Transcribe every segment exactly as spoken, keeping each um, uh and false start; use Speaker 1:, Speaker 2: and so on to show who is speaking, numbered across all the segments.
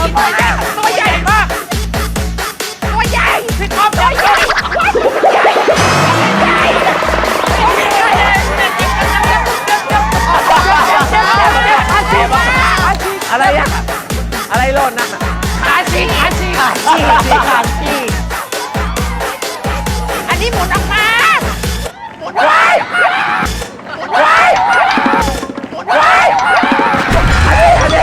Speaker 1: ตัวใหญ่ตัวใหญ่มากตัวใหญ่พี่ก๊อฟตัวใหญ่
Speaker 2: อะไรอะอะไรหล่นนะ
Speaker 1: ขาชีขาชีขาชีขาชีอันนี้หมุนออกมาหมุนว้ายว้ายว้ายอันนี้อันนี้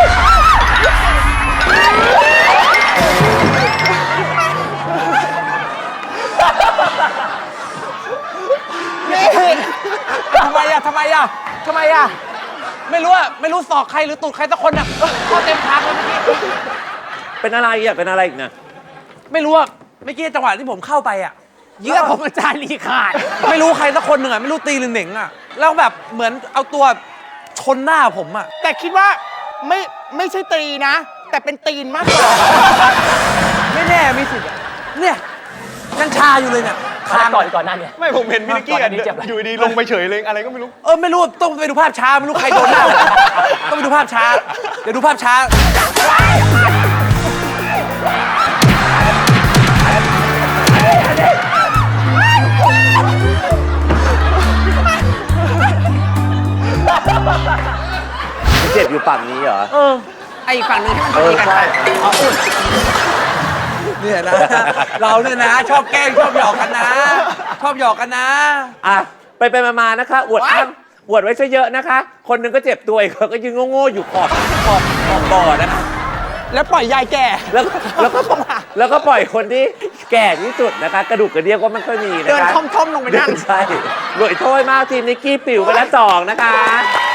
Speaker 3: ทำไมอะทำไมอะทำไมอะไม่รู้อะไม่รู้ศอกใครหรือตูดใครสักคนอะเข้าเต็มทางเลยเมื่อกี้
Speaker 2: เป็นอะไรอะเป็นอะไรอีกนะ
Speaker 3: ไม่รู้อะเมื่อกี้จังหวะที่ผมเข้าไปอะ
Speaker 1: เยื่อผมอาจารย์รีขาด
Speaker 3: ไม่รู้ใครสักคนหนึ่งอะไม่รู้ตีหรือเหน่งอะแล้วแบบเหมือนเอาตัวชนหน้าผมอะ
Speaker 1: แต่คิดว่าไม่ไม่ใช่ตีนะแต่เป็นตีนมากกว่า
Speaker 3: ไม่แน่มีสิทธิ์เนี่ยยังชาอยู่เลยเนี่ย
Speaker 4: ก่อนก่อนหน้าเนี่ย
Speaker 5: ไม่ผมเห็นพี่นิกกี้กันอยู่ดีลงไปเฉยเลยอะไรก็ไม่รู้
Speaker 3: เออไม่รู้ต้องไปดูภาพช้าไม่รู้ใครโดนหน้าต้องไปดูภาพช้าเดี๋ยวดูภาพช้า
Speaker 2: เจ็บอยู่ฝั่งนี้เหรอ
Speaker 3: เออ
Speaker 1: ไอ้ฝั่งนึงที่มันตีกันอ๋ออุ่น
Speaker 3: เนี่ยนะเราเนี่ยนะชอบแกล้งชอบหยอกกันนะชอบหยอกกันนะ
Speaker 2: อ่ะไปไปมาๆนะคะอวดอ้างอวดไว้ซะเยอะนะคะ คนหนึงก็เจ็บตัวอีกคนก็ยืนโง่ๆอยู่ขอบขอบขอบบ่อนะคะ
Speaker 1: แล้วปล่อยยายแก่
Speaker 2: แล้วแล้วก็แล้วก็ปล่อยคนที่แก่ที่สุดนะคะกระดูกกระเดี่ยวก็ไม่ค่อยมีนะคะ
Speaker 1: เดินท่อมๆลงไปนั่ง
Speaker 2: ใช่หน่วยโทษมากทีมนิกกี้ปิ๋วไปแล้วสองนะคะ